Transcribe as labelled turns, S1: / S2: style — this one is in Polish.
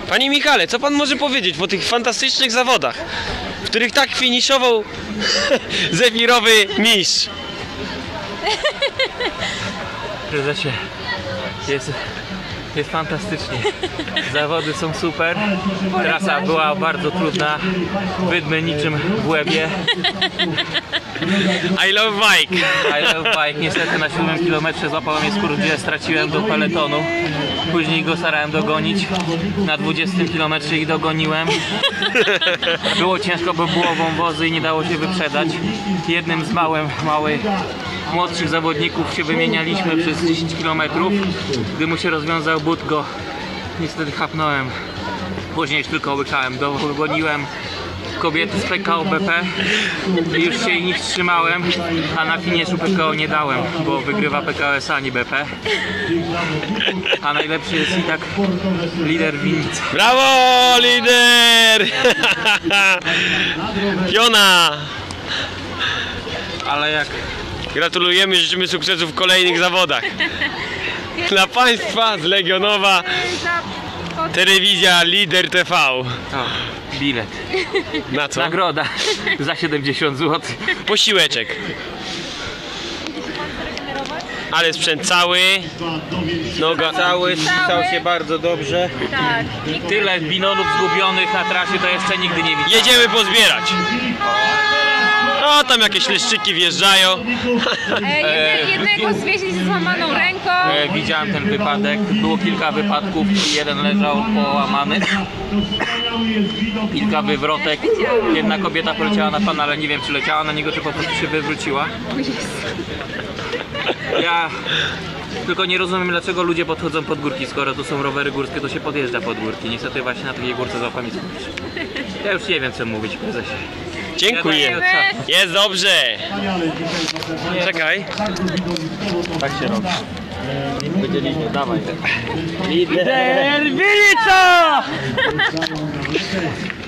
S1: Panie Michale, co pan może powiedzieć po tych fantastycznych zawodach, w których tak finiszował zewirowy mistrz?
S2: Prezesie, jest fantastycznie. Zawody są super. Trasa była bardzo trudna. Wydmy niczym w łebie.
S1: I love bike.
S2: I love bike. Niestety na 7 kilometrze złapałem mnie skór, gdzie straciłem do peletonu. Później go starałem dogonić. Na 20 kilometrze ich dogoniłem. Było ciężko, bo było wąwozy i nie dało się wyprzedać. Jednym z małych młodszych zawodników się wymienialiśmy przez 10 km. Gdy mu się rozwiązał but, go niestety chapnąłem. Później już tylko łykałem. Dogoniłem kobiety z PKO BP i już się ich trzymałem, a na finiszu PKO nie dałem, bo wygrywa PKS, a nie BP. A najlepszy jest i tak lider winnicy.
S1: Brawo, lider! Piona!
S2: Ale jak
S1: Gratulujemy, życzymy sukcesów w kolejnych zawodach. Dla Państwa z Legionowa telewizja Lider TV.
S2: o, bilet.
S1: Na co?
S2: Nagroda za 70 zł.
S1: Posiłeczek. Ale sprzęt cały. Noga.
S2: Cały stał się bardzo dobrze.
S3: Tak.
S2: Tyle binonów zgubionych na trasie to jeszcze nigdy nie widziałem.
S1: Jedziemy pozbierać. O, tam jakieś leszczyki wjeżdżają.
S3: Jednego zwieźli z złamaną ręką.
S2: Widziałem ten wypadek. Było kilka wypadków. Jeden leżał połamany. Kilka wywrotek. Jedna kobieta poleciała na pana, ale nie wiem, czy leciała na niego, czy po prostu się wywróciła. Ja tylko nie rozumiem, dlaczego ludzie podchodzą pod górki. Skoro tu są rowery górskie, to się podjeżdża pod górki. Niestety właśnie na takiej górce złapami skupić. Ja już nie wiem, co mówić, prezesie.
S1: Dziękuję. Jest dobrze. Czekaj.
S2: Tak się robi. Wydzieliśmy, dawaj.
S1: Lider Winnica!